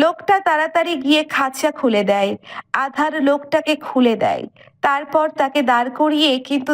লোকটা তাড়াতাড়ি গিয়ে খাঁচা খুলে দেয়। আধার লোকটাকে খুলে দেয়। তারপর তাকে দাঁড় করিয়ে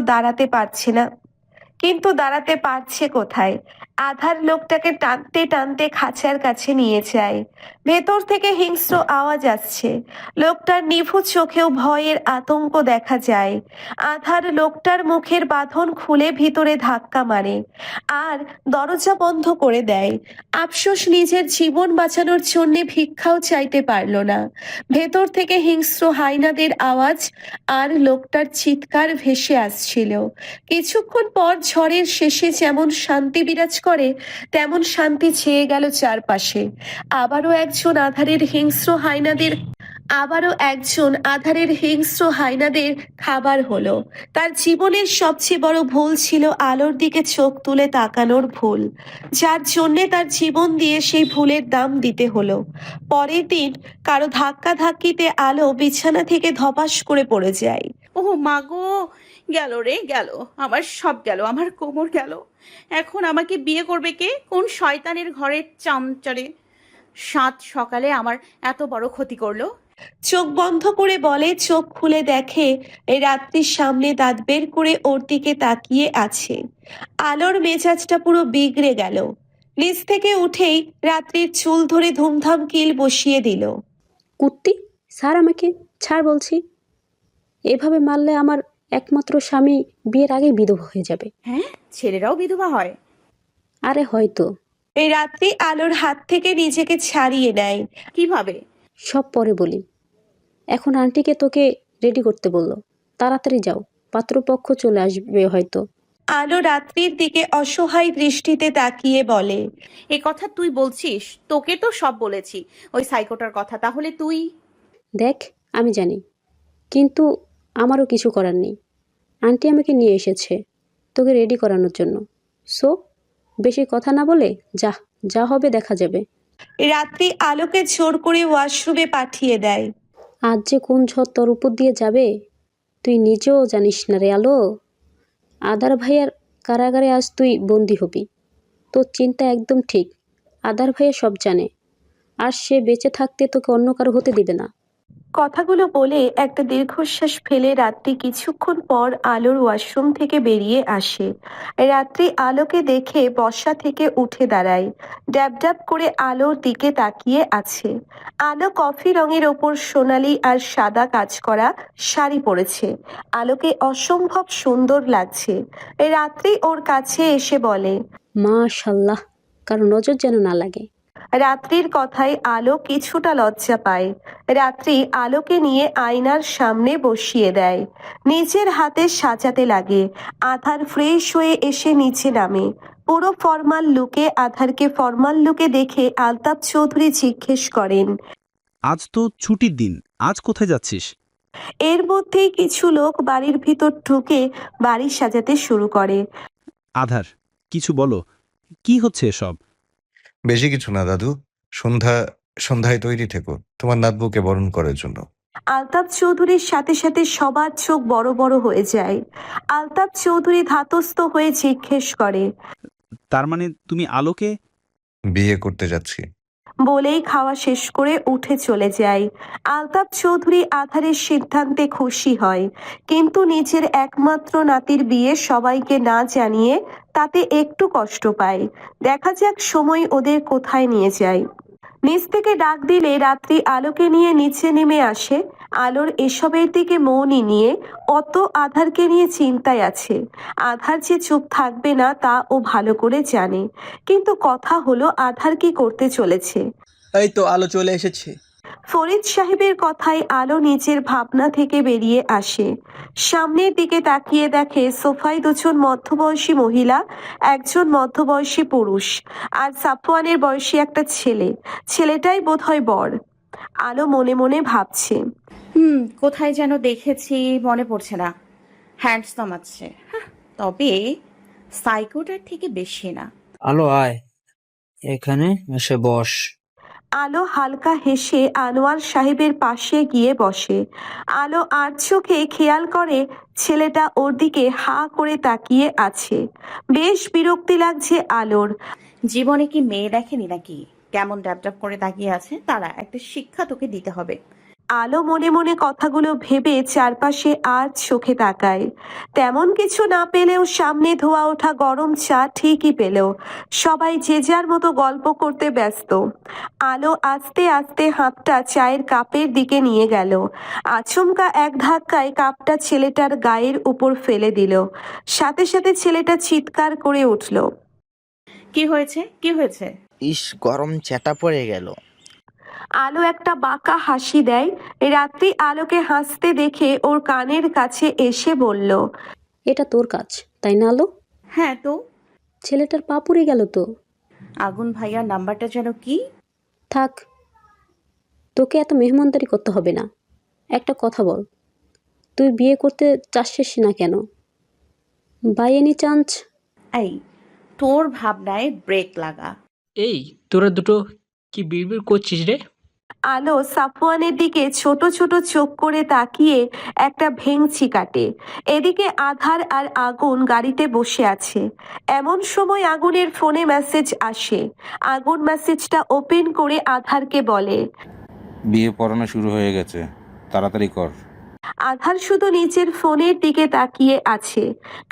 কিন্তু দাঁড়াতে পারছে কোথায়। আধার লোকটাকে টানতে টানতে খাঁচার কাছে নিয়ে যায়। ভেতর থেকে হিংস্র আওয়াজ আসছে। লোকটার নিভু চোখেও ভয়ের আতঙ্ক দেখা যায়। আধার লোকটার মুখের বাঁধন খুলে ভিতরে ধাক্কা মারে আর দরজা বন্ধ করে দেয়। আফসোস নিজের জীবন বাঁচানোর জন্য ভিক্ষাও চাইতে পারল না। ভেতর থেকে হিংস্র হাইনাদের আওয়াজ আর লোকটার চিৎকার ভেসে আসছিল। কিছুক্ষণ পর ঝড়ের শেষে যেমন শান্তি বিরাজ করে তেমন শান্তি ছেয়ে গেল চারপাশে। আবারও একজন আধারের হিংস্র হাইনাদের খাবার হলো। তার জীবনের সবচেয়ে বড় ভুল ছিল আলোর দিকে চোখ তুলে তাকানোর ভুল, যার জন্যে তার জীবন দিয়ে সেই ভুলের দাম দিতে হলো। পরের দিন কারো ধাক্কাধাক্কিতে আলো বিছানা থেকে ধপাস করে পড়ে যায়। ও মা গো, গেল রে গেল, আমার সব গেল, আমার কোমর গেল। এখন আমাকে বিয়ে করবে কে? কোন শয়তানের ঘরের চামচারে সাত সকালে আমার এত বড় ক্ষতি করলো। চোখ বন্ধ করে বলে, চোখ খুলে দেখে এই রাত্রির সামনে দাঁত বের করে ওর দিকে তাকিয়ে আছে। আলোর মেজাজটা পুরো বিগড়ে গেল। নিচ থেকে উঠেই রাত্রির চুল ধরে ধুমধাম কিল বসিয়ে দিল। কুত্তি, ছাড় আমাকে, ছাড় বলছি। এভাবে মারলে আমার একমাত্র স্বামী বিয়ের আগেই বিধবা হয়ে যাবে। হ্যাঁ, ছেলেরাও বিধবা হয়? আরে হয়তো। এই রাত্রি আলোর হাত থেকে নিজেকে ছাড়িয়ে নেয়। কিভাবে? সব পরে বলি। এখন আন্টিকে তোকে রেডি করতে বললো, তাড়াতাড়ি যাও, পাত্রপক্ষ চলে আসবে হয়তো। আলো রাত্রির দিকে অসহায় দৃষ্টিতে তাকিয়ে বলে, এ কথা তুই বলছিস? তোকে তো সব বলেছি ওই সাইকোটার কথা, তাহলে তুই? দেখ, আমি জানি, কিন্তু আমারও কিছু করার নেই। আন্টি আমাকে নিয়ে এসেছে তোকে রেডি করানোর জন্য। সো বেশি কথা না বলে যা, যা হবে দেখা যাবে। রাত্রি আলোকে জোর করে ওয়াশরুমে পাঠিয়ে দেয়। আজ যে কোন ঝড় তোর উপর দিয়ে যাবে তুই নিজেও জানিস না রে আলো। আদার ভাইয়ার কারাগারে আজ তুই বন্দি হবি। তোর চিন্তা একদম ঠিক। আদার ভাইয়া সব জানে, আর সে বেঁচে থাকতে তোকে অন্য কারো হতে দিবে না। কথাগুলো বলে একটা দীর্ঘশ্বাস ফেলে রাত্রি কিছুক্ষণ পর আলোর ওয়াশরুম থেকে বেরিয়ে আসে। রাত্রি আলোকে দেখে বসা থেকে উঠে দাঁড়ায়। ড্যাব ড্যাব করে আলোর দিকে তাকিয়ে আছে। আলো কফি রঙের ওপর সোনালি আর সাদা কাজ করা শাড়ি পরেছে। আলোকে অসম্ভব সুন্দর লাগছে। রাত্রি ওর কাছে এসে বলে, মাশাল্লাহ, কারো নজর যেন না লাগে। রাত্রির কথায় আলো কিছুটা লজ্জা পায়। রাত্রি আলোকে নিয়ে আয়নার সামনে বসিয়ে দেয়। নিজের হাতে সাজাতে লাগে। আধার ফ্রেশ হয়ে এসে নিচে নামে। পুরো ফর্মাল লুকে আধারকে ফর্মাল লুকে দেখে আলতাফ চৌধুরী জিজ্ঞেস করেন, আজ তো ছুটির দিন, আজ কোথায় যাচ্ছিস? এর মধ্যেই কিছু লোক বাড়ির ভিতর ঢুকে বাড়ি সাজাতে শুরু করে। আধার, কিছু বলো, কি হচ্ছে এসব? বেশি কিছু না দাদু, সন্ধ্যায় তৈরি থেকো তোমার নাতবুকে বরণ করার জন্য। আলতাফ চৌধুরীর সাথে সাথে সবার চোখ বড় বড় হয়ে যায়। আলতাফ চৌধুরী ধাতস্থ হয়ে জিজ্ঞেস করে, তার মানে তুমি আলোকে? বিয়ে করতে যাচ্ছি। বলেই খাওয়া শেষ করে উঠে চলে যায়। আলতাফ চৌধুরী আধারের সিদ্ধান্তে খুশি হয়, কিন্তু নিজের একমাত্র নাতির বিয়ে সবাইকে না জানিয়ে তাতে একটু কষ্ট পায়। দেখা যাক সময় ওদের কোথায় নিয়ে যায়। নিচ থেকে ডাক দিলে রাত্রি আলোকে নিয়ে নিচে নেমে আসে। আলোর এসবের দিকে মনই নিয়ে অত আধারকে নিয়ে চিন্তায় আছে। আধার যে চুপ থাকবে না তা ও ভালো করে জানে, কিন্তু কথা হলো আধার কি করতে চলেছে। এই তো আলো চলে এসেছে। ফরিদ সাহেবের কথায় আলো নিজের ভাবনা থেকে বেরিয়ে আসে। সামনের দিকে তাকিয়ে দেখে সোফায় দুজন মধ্যবয়সী মহিলা, একজন মধ্যবয়সী পুরুষ আর সাফওয়ানের বয়সী একটা ছেলে। ছেলেটাই বোধহয় বর। আলো মনে মনে ভাবছে, কোথায় যেন দেখেছি, মনে পড়ছে না। হ্যান্ডসাম আছে, তবে সাইকোটার থেকে বেশি না। আলো আয়, এখানে এসে বস। আলো হালকা হেসে আনোয়ার সাহেবের পাশে গিয়ে বসে। আলো আর চোখে খেয়াল করে ছেলেটা ওর দিকে হা করে তাকিয়ে আছে। বেশ বিরক্তি লাগছে আলোর। জীবনে কি মেয়ে দেখেনি নাকি? কেমন ড্যাপ করে তাকিয়ে আছে, তারা একটা শিক্ষা তোকে দিতে হবে। আলো মনে মনে কথাগুলো ভেবে চারপাশে আর চোখে তাকায়। তেমন কিছু না পেলেও সামনে ধোয়া ওঠা গরম চা ঠিকই পেল। সবাই যে যার মতো গল্প করতে ব্যস্ত। আলো আস্তে আস্তে হাতটা চায়ের কাপের দিকে নিয়ে গেল। আচমকা এক ধাক্কায় কাপটা ছেলেটার গায়ের উপর ফেলে দিল। সাথে সাথে ছেলেটা চিৎকার করে উঠল। কি হয়েছে, কি হয়েছে? ইস, গরম চ্যাটা পড়ে গেল। আলো একটা বাঁকা হাসি দেয়। রাত্রি আলোকে হাসতে দেখে ওর কানের কাছে এসে বলল, এটা তোর কাজ তাই না আলো? হ্যাঁ তো। ছেলেটার পা পুড়ে গেল তো। আগুন ভাইয়ার নাম্বারটা যেন কি? থাক, তোকে এত মেহমানদারি করতে হবে না। একটা কথা বল, তুই বিয়ে করতে চাচ্ছিস না কেন? By any chance? এই, তোর ভাবনায় ব্রেক লাগা। এই তোরা দুটো কি বিড়বিড় করছিস রে? আলো সাফওয়ানের দিকে ছোট ছোট চোখ করে তাকিয়ে একটা ভেংচি কাটে। এদিকে আধার আর আগুন গাড়িতে বসে আছে। এমন সময় আগুনের ফোনে মেসেজ আসে। আগুন মেসেজটা ওপেন করে আধারকে বলে, বিয়ে পড়ানো শুরু হয়ে গেছে, তাড়াতাড়ি কর। আধার শুধু নিচের ফোনের দিকে তাকিয়ে আছে।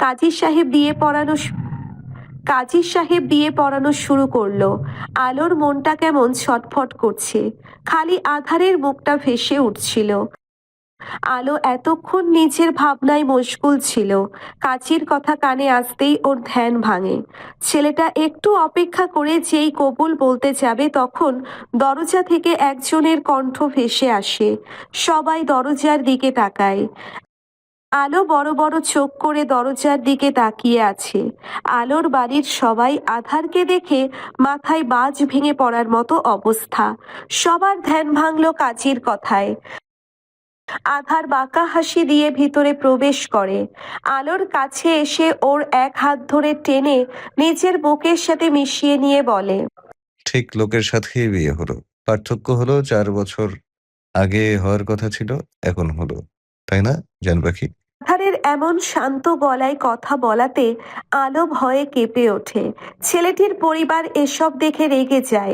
কাজী সাহেব বিয়ে পড়ানো শুরু করলো। আলোর মনটা কেমন ছটফট করছে। খালি আধারের মুখটা ভেসে উঠছিল। আলো এতক্ষণ নিজের ভাবনায় মশগুল ছিল। কাজীর কথা কানে আসতেই ওর ধ্যান ভাঙে। ছেলেটা একটু অপেক্ষা করে যেই কবুল বলতে যাবে তখন দরজা থেকে একজনের কণ্ঠ ভেসে আসে। সবাই দরজার দিকে তাকায়। আলো বড় বড় চোখ করে দরজার দিকে তাকিয়ে আছে। আলোর বাড়ির সবাই আধারকে দেখে মাথায় বাজ ভেঙে পড়ার মতো অবস্থা। সবার ধ্যান ভাঙলো কাজীর কথায়। আধার বাঁকা হাসি দিয়ে ভিতরে প্রবেশ করে। আলোর কাছে এসে ওর এক হাত ধরে টেনে নিজের বুকের সাথে মিশিয়ে নিয়ে বলে, ঠিক লোকের সাথেই বিয়ে হলো। পার্থক্য হলো 4 বছর আগে হওয়ার কথা ছিল, এখন হলো। তাই না জান পাখি? আধারের এমন শান্ত গলায় কথা বলাতে আলো ভয়ে কেঁপে ওঠে। ছেলেটির পরিবার এসব দেখে রেগে যায়।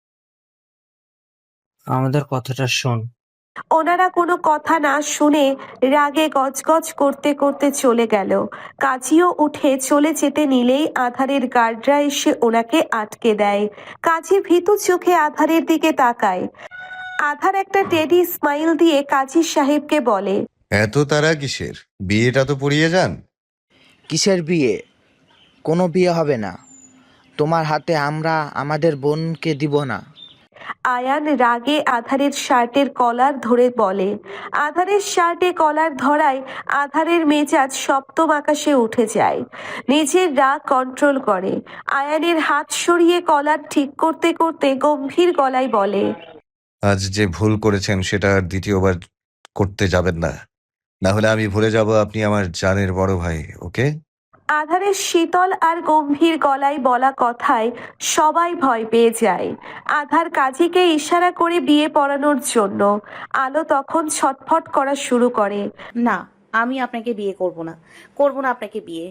আমাদের কথাটা শোন। ওনারা কোনো কথা না শুনে রাগে গজগজ করতে করতে চলে গেল। কাজীও উঠে চলে যেতে নিলেই আধারের গার্ডরা এসে ওনাকে আটকে দেয়। কাজী ভীতু চোখে আধারের দিকে তাকায়। আধার একটা টেডি স্মাইল দিয়ে কাজী সাহেবকে বলে, এত তারা কিসের? বিয়েটা তো পড়িয়ে যান। কিসের বিয়ে? কোনো বিয়ে হবে না। তোমার হাতে আমরা আমাদের বোনকে দিব না। আয়ান রাগে আধারের শার্টের কলার ধরে বলে। আধারের শার্টে কলার ধরায় আধারের মেজাজ সপ্তম আকাশে উঠে যায়। নিজের রাগ কন্ট্রোল করে। আয়ানের হাত সরিয়ে কলার ঠিক করতে করতে গম্ভীর গলায় বলে, আজ যে ভুল করেছেন সেটা আর দ্বিতীয়বার করতে যাবেন না। না হলে আমি ভুলে যাব আপনি আমার জানের বড় ভাই। ওকে? আধারের শীতল আর গম্ভীর গলায় বলা কথায় সবাই ভয় পেয়ে যায়। আধার কাজীকে ইশারা করে বিয়ে পড়ানোর জন্য। আলো তখন ছটফট করা শুরু করে। না, আমি আপনাকে বিয়ে করব না, করব না আপনাকে বিয়ে।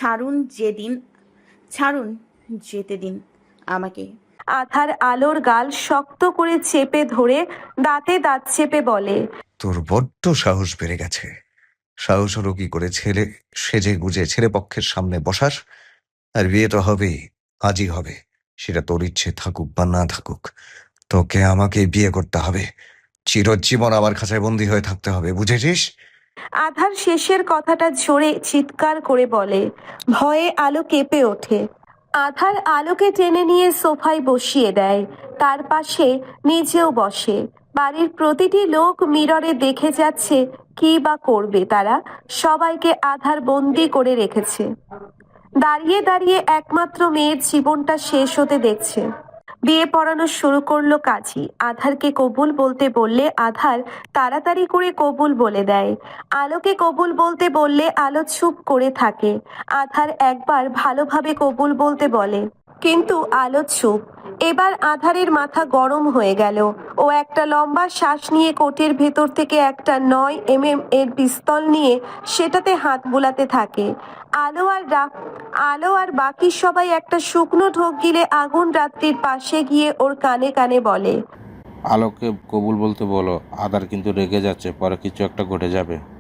ছাড়ুন, যেতে দিন আমাকে। আধার আলোর গাল শক্ত করে চেপে ধরে দাঁতে দাঁত চেপে বলে, তোর বড্ড সাহস বেড়ে গেছে। সাহস হলো কি করে ছেলে সেজে গুজে ছেলে পক্ষের সামনে বসার? আর বিয়ে তো হবেই, আজই হবে। সেটা তোর ইচ্ছে থাকুক বা না থাকুক, তোকে আমাকে বিয়ে করতে হবে। চিরজীবন আমার খাঁচায় বন্দী হয়ে থাকতে হবে, বুঝেছিস? আধার শেষের কথাটা জোরে চিৎকার করে বলে। ভয়ে আলো কেঁপে ওঠে। আধার আলোকে টেনে নিয়ে সোফায় বসিয়ে দেয়। তার পাশে নিজেও বসে। বাড়ির প্রতিটি লোক মিররে দেখে যাচ্ছে কি বা করবে তারা। সবাইকে আধার বন্দি করে রেখেছে। দাঁড়িয়ে দাঁড়িয়ে একমাত্র মেয়ের জীবনটা শেষ হতে দেখছে। বিয়ে পড়ানো শুরু করলো কাজী। আধারকে কবুল বলতে বললে আধার তাড়াতাড়ি করে কবুল বলে দেয়। আলোকে কবুল বলতে বললে আলো চুপ করে থাকে। আধার একবার ভালোভাবে কবুল বলতে বলে, কিন্তু আলো চুপ। এবার আধারের মাথা গরম হয়ে গেল। ও একটা লম্বা শ্বাস নিয়ে কোটের ভেতর থেকে একটা 9mm এর পিস্তল নিয়ে সেটাতে হাত বুলাতে থাকে। আলো আর বাকি সবাই একটা শুকনো ঢোক গিলে আগুন রাত্রির পাশে গিয়ে ওর কানে কানে বলে, আলোকে কবুল বলতে বলো, আদার কিন্তু রেগে যাচ্ছে, পরে কিছু একটা ঘটে যাবে।